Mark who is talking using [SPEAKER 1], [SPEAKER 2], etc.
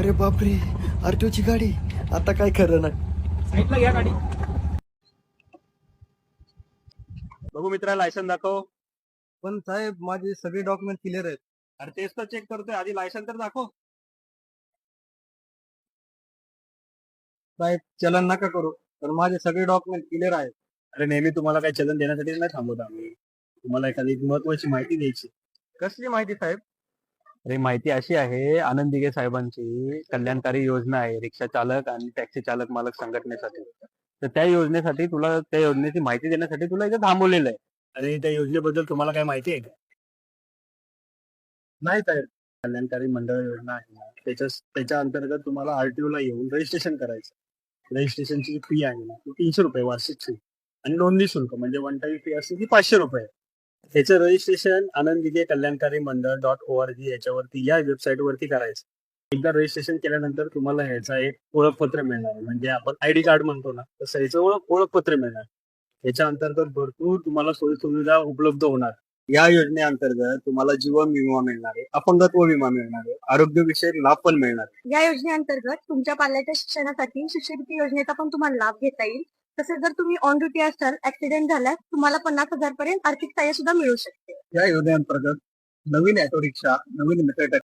[SPEAKER 1] अरे बापरे, आरटीओची गाडी. आता काय खरं नाही.
[SPEAKER 2] साईडला घ्या गाडी. बघू मित्रा, लायसन दाखव.
[SPEAKER 1] पण साहेब, माझे सगळे डॉक्युमेंट क्लिअर आहेत.
[SPEAKER 2] अरे तेच तर चेक करतोय, आधी लायसन तर दाखव.
[SPEAKER 1] साहेब, चलन नका करू, पण माझे सगळे डॉक्युमेंट क्लिअर आहेत.
[SPEAKER 2] अरे नेहमी तुम्हाला काही चलन देण्यासाठी नाही थांबवत आम्ही. तुम्हाला एखादी महत्वाची माहिती द्यायची.
[SPEAKER 1] कसली माहिती साहेब?
[SPEAKER 2] अरे माहिती अशी आहे, आनंद दिघे साहेबांची कल्याणकारी योजना आहे रिक्षा चालक आणि टॅक्सी चालक मालक संघटनेसाठी. तर त्या योजनेसाठी तुला, त्या योजनेची माहिती देण्यासाठी तुला इथे थांबवलेलं आहे. आणि त्या योजनेबद्दल तुम्हाला काय माहिती आहे का?
[SPEAKER 1] नाही साहेब.
[SPEAKER 2] कल्याणकारी मंडळ योजना आहे ना, त्याच्या अंतर्गत तुम्हाला आरटीओ ला येऊन रजिस्ट्रेशन करायचं. रजिस्ट्रेशनची फी आहे ना, ती 300 रुपये वार्षिक फी. आणि नोंदणी शुल्क म्हणजे वन टाइम फी असते ती 500 रुपये. त्याचं रजिस्ट्रेशन आनंद दिघे कल्याणकारी मंडळ .org याच्यावरती, या वेबसाईट वरती करायचं. एकदा रजिस्ट्रेशन केल्यानंतर तुम्हाला ह्याचा एक ओळखपत्र मिळणार आहे. म्हणजे आपण आयडी कार्ड म्हणतो ना, तसं याचं ओळखपत्र मिळणार. याच्या अंतर्गत भरपूर तुम्हाला सोयी सुविधा उपलब्ध होणार. या योजनेअंतर्गत तुम्हाला जीवन विमा मिळणार आहे, अपंगत्व विमा मिळणार आहे, आरोग्य विषयक लाभ पण मिळणार आहे.
[SPEAKER 3] या योजनेअंतर्गत तुमच्या पाल्याच्या शिक्षणासाठी शिष्यवृत्ती योजनेचा पण तुम्हाला लाभ घेता येईल. तसेच जर तुम्ही ऑन ड्युटी असाल, ऍक्सिडेंट झाल्यास तुम्हाला 50,000 पर्यंत आर्थिक सहाय्य सुद्धा मिळू शकते.
[SPEAKER 1] या योजनेअंतर्गत नवीन ऑटो रिक्षा, नवीन मेट्रो